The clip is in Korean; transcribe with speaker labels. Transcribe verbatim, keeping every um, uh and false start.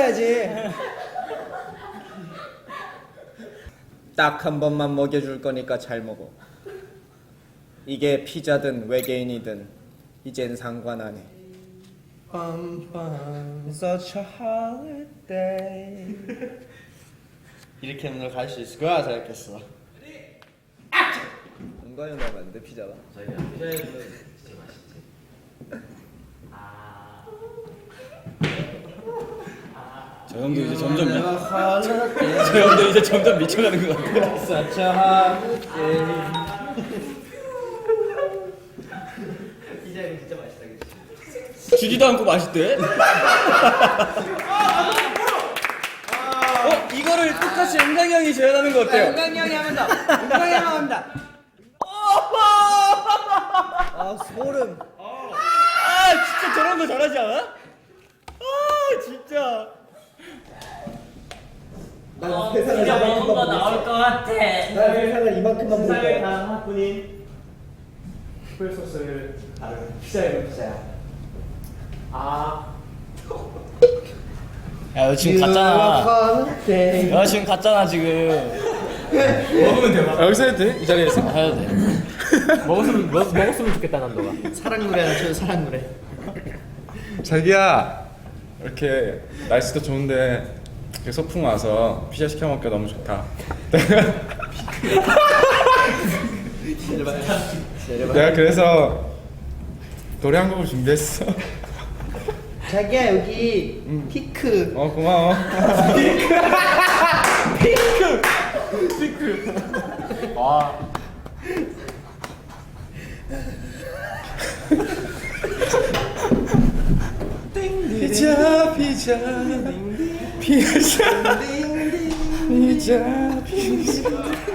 Speaker 1: 먹어야지.
Speaker 2: 딱 한 번만 먹여줄 거니까 잘 먹어. 이게 피자든 외계인이든 이젠 상관 안 해.
Speaker 1: 빰빰 Such a holiday. 이렇게 하면 너 갈 수 있을 거야 생각했어.
Speaker 2: 은광이 나오면 안 돼, 피자가.
Speaker 3: 저희가 피자에 진짜 맛있지. 아.
Speaker 4: 저 형도 이제 점점 저 형도 이제 점점 미쳐가는 것 같아요.
Speaker 1: Such a holiday.
Speaker 3: 피자는 진짜 맛있다, 그치?
Speaker 4: 주지도 않고 맛있대. 어 이거를 똑같이 은광이 형이 재현하는 거 어때요?
Speaker 1: 은광이 형이 하면 더. 은광이 형이 하면 더.
Speaker 2: 아, 소름.
Speaker 4: 아 진짜 저런 거 잘하지 않아? 아 진짜.
Speaker 2: 난 세상을
Speaker 3: 피자 먹은 거
Speaker 2: 이만큼만
Speaker 3: 나올
Speaker 2: 보고
Speaker 3: 것 같아.
Speaker 2: 있어. 난 세상을 이만큼만 보고
Speaker 3: 세상에
Speaker 2: 있어.
Speaker 3: 단 하나뿐인 특별소스를 다룬 피자예요, 피자야. 아.
Speaker 4: 야 너 지금 갔잖아. 너 지금 갔잖아 지금.
Speaker 3: 먹으면 돼, 막.
Speaker 4: 여기서 해도 돼? 이 자리에서? 해도 돼.
Speaker 3: 먹었으면, 먹, 먹었으면 좋겠다, 난 너가.
Speaker 1: 사랑 노래나 쳐 사랑 노래.
Speaker 5: 자기야 이렇게 날씨도 좋은데 이렇게 소풍 와서 피자 시켜 먹기가 너무 좋다. 내가 그래서 노래 한 곡을 준비했어.
Speaker 1: 자기야 여기 피크.
Speaker 5: 어 고마워.
Speaker 3: 와.
Speaker 5: 피자 피자 피자 피자 피자